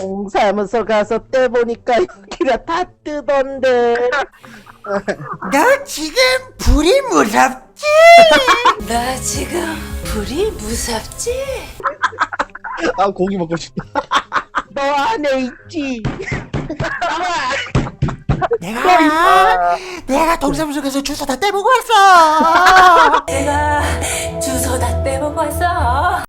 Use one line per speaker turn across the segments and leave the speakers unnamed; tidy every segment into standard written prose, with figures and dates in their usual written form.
동사무소 가서 떼보니까 여기가 다 뜨던데.
너 지금 불이 무섭지?
나 지금 불이 무섭지?
아 고기 먹고 싶다.
너 안에 있지.
내가 동사무소 가서 주소 다 떼보고 왔어.
내가 주소 다 떼보고 왔어.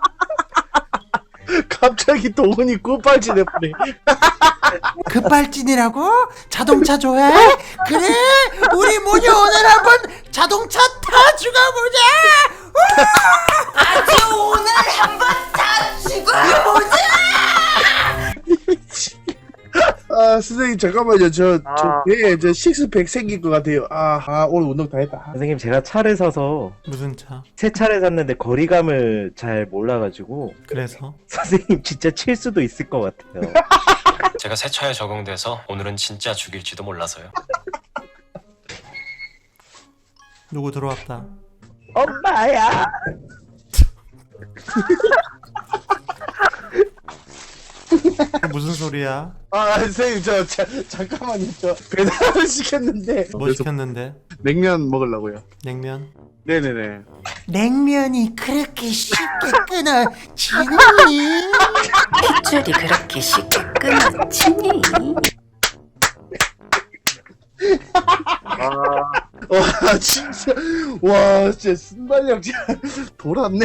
갑자기 동훈이 굿발진해버려.
급발진이라고? 자동차 좋아해? 그래, 우리 모녀 오늘 한번 자동차 타주가 보자.
아주 오늘 한번 다 죽어보자.
아 선생님 잠깐만요. 저 배에 저 식스팩 생길 것 같아요. 오늘 운동 다 했다.
선생님 제가 차를 사서
무슨 차?
새 차를 샀는데 거리감을 잘 몰라가지고
그래서?
선생님 진짜 칠 수도 있을 것 같아요.
제가 새 차에 적응돼서 오늘은 진짜 죽일지도 몰라서요.
누구 들어왔다.
엄마야.
무슨 소리야?
선생님 잠깐만요. 저 배달을 시켰는데
뭐 시켰는데?
냉면 먹으려고요.
냉면?
네네네.
냉면이 그렇게 쉽게 끊어지니?
핏줄이 그렇게 쉽게 끊어지니?
와 진짜 와 진짜 순발력 진짜 돌았네.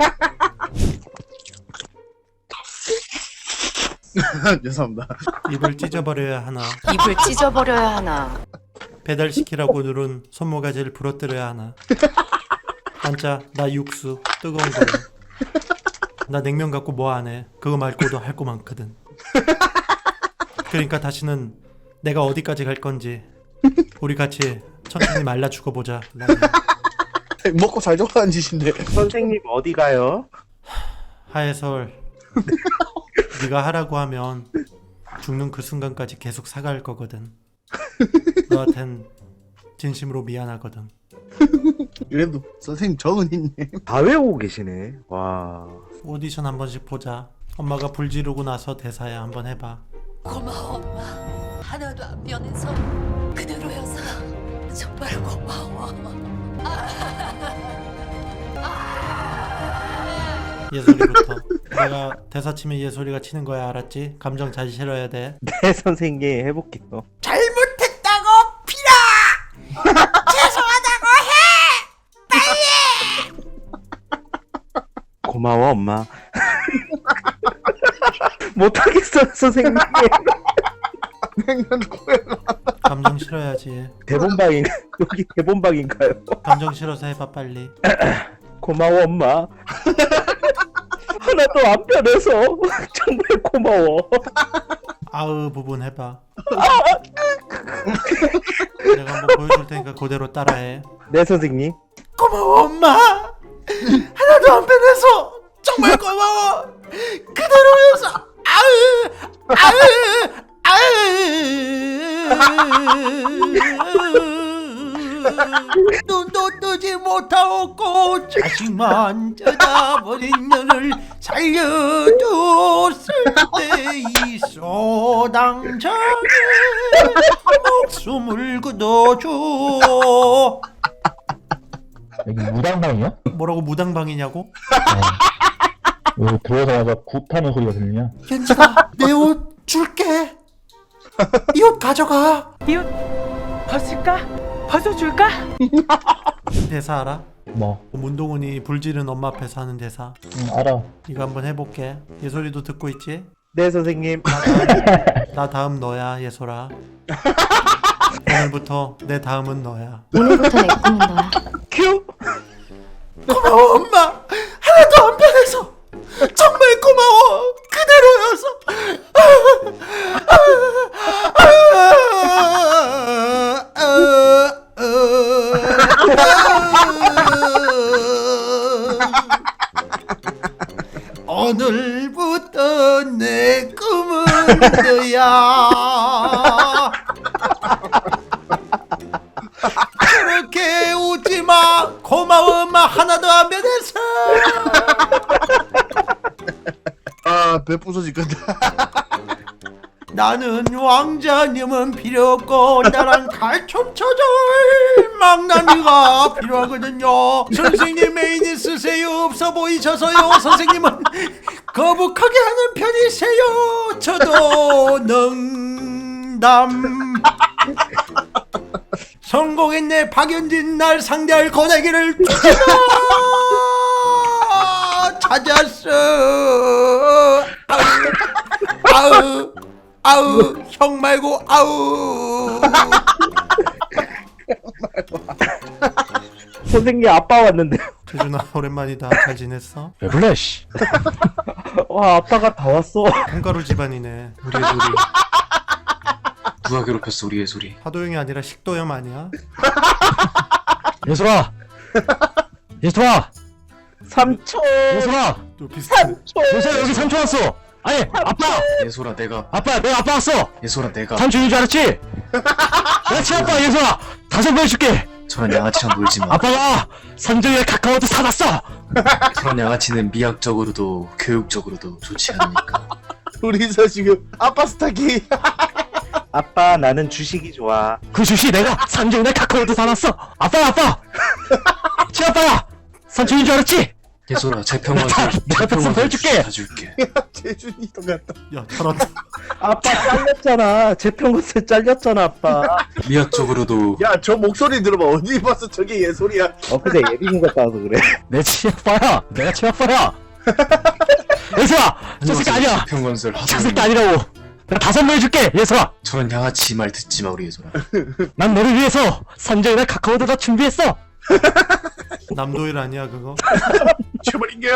죄송합니다.
입을 찢어버려야 하나?
입을 찢어버려야 하나?
배달시키라고 누른 손모가지를 부러뜨려야 하나? 앉자, 나 육수 뜨거운 거. 나 냉면 갖고 뭐 안 해. 그거 말고도 할 거 많거든. 그러니까 다시는 내가 어디까지 갈 건지 우리 같이 천천히 말라 죽어보자.
먹고 살 좋아하는 짓인데.
선생님 어디 가요?
하해설, 네가 하라고 하면 죽는 그 순간까지 계속 사갈 거거든. 너한텐 진심으로 미안하거든.
그래도 선생님 적은 있네.
다 외우고 계시네. 와.
오디션 한 번씩 보자. 엄마가 불 지르고 나서 대사야 한번 해봐.
고마워 엄마. 하나도 안 변해서 그대로여서 정말 고마워.
예솔이부터. 내가 대사 치면 예솔이가 치는 거야, 알았지? 감정 잘 실어야 돼.
네 선생님 해볼게요.
잘못했다고 빌어! 죄송하다고 해!
고마워 엄마. 못하겠어 선생님.
냉면 코에
감정 실어야지.
대본방인가? 여기 대본방인가요?
감정 실어서 해봐 빨리.
고마워 엄마. 하나도 안 변해서 정말 고마워.
아으 부분 해봐. 내가 한번 보여줄 테니까 그대로 따라해.
네 선생님.
고마워 엄마. 하나도 안 변해서 정말 고마워. 그대로여서 아으 눈도 뜨지 못하고 자식만 쳐다보는 년을 살려줬을 때 이 소당장에 목숨을 끊어줘.
여기 무당방이야?
뭐라고 무당방이냐고?
여기 들어오자마자 굿하는 소리가 들리냐?
현지가 내 옷 줄게. 이 옷 가져가.
이 옷 벗을까? 벗어줄까?
대사 알아?
뭐?
문동훈이 불지른 엄마 앞에서 하는 대사.
알아.
이거 한번 해볼게. 예솔이도 듣고 있지?
네 선생님.
나 다음 너야 예솔아. 오늘부터 내 다음은 너야.
오늘부터 내 꿈은 너야.
큐.
고마워 엄마. 하나도 안 변해서 정말 고마워. 그대로여서. 오늘부터 내 꿈은 너야. 그렇게 웃지마. 고마워 엄마. 하나도 안 변했어.
배 부서질 건데.
나는 왕자님은 필요 없고 나랑 갈춤 쳐줄 망나니가 필요하거든요. 선생님 메인이 쓰세요. 없어 보이셔서요. 선생님은 거북하게 하는 편이세요. 저도 능담. 성공했네. 박연진 날 상대할 고데기를 찾았어. 아우 아우 형 말고 아우.
선생님 아빠 왔는데.
태준아 오랜만이다. 잘 지냈어?
왜 불러 씨.
와 아빠가 다 왔어.
콩가루 집안이네. 우리 애들이.
누가 괴롭혔어 우리 예솔이.
하도영이 아니라 식도염 아니야?
예솔아. 예솔아.
삼촌.
예솔아.
또 비슷해.
예솔아 여기 삼촌 왔어. 아니 아빠.
예솔아 내가
내가 아빠 왔어.
예솔아 내가
삼촌인 줄 알았지? 내가 친아빠 예솔아. 다시 한번 해줄게.
저런 양아치랑 놀지 마.
아빠가 선정이의 카카오도 사놨어.
저런 양아치는 미학적으로도 교육적으로도 좋지 않으니까.
둘이서 지금 아빠 스타킹.
아빠 나는 주식이 좋아.
그 주식 내가 선정이의 카카오도 사놨어. 아빠. 친아빠야. 삼촌인 줄 알았지?
예솔아 재평원서
내가 뱃살 해줄게.
사줄게.
재준이 똑같다.
야 잘한다.
아빠 잘렸잖아. 재평원세 잘렸잖아 아빠.
미학적으로도
야, 저 목소리 들어봐. 어디 봐서 저게 얘소리야.
근데 예빈이 갔다 와서 그래.
내 친아빠야. 내가 친아빠야. 예솔아. 저 새끼 아니야.
재평건설
저
하도
새끼 아니라고. 내가 다 선물해줄게. 예솔아.
저런 양아치 말 듣지 마 우리 예솔아.
난 너를 위해서 선정이의 카카오도 다 준비했어.
남도일 아니야 그거?
쳐버린게요.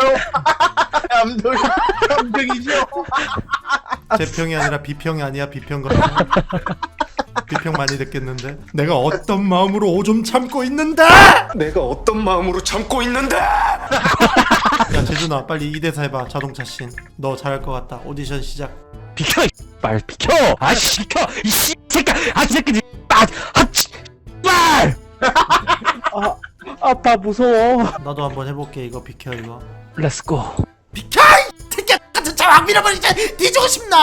감정이죠.
재평이 아니라 비평이 아니야. 비평 같아. 비평 많이 듣겠는데. 내가 어떤 마음으로 오줌 참고 있는데.
내가 어떤 마음으로 참고 있는데.
야 재준아 빨리 2대4 해봐. 자동차 씬. 너 잘할 것 같다. 오디션 시작.
비켜. 말 비켜. 아씨 비켜. 이씨 새끼. 아 새끼. 말.
아빠 무서워.
나도 한번 해볼게. 이거 비켜 이거.
렛츠고.
비켜! 이 새끼야 같은 차확 밀어버리자. 뒤지고 싶나?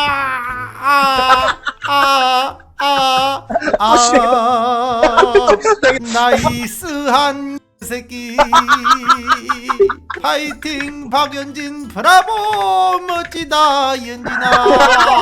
나이스한 새끼. 파이팅 박연진 브라보 멋지다 연진아.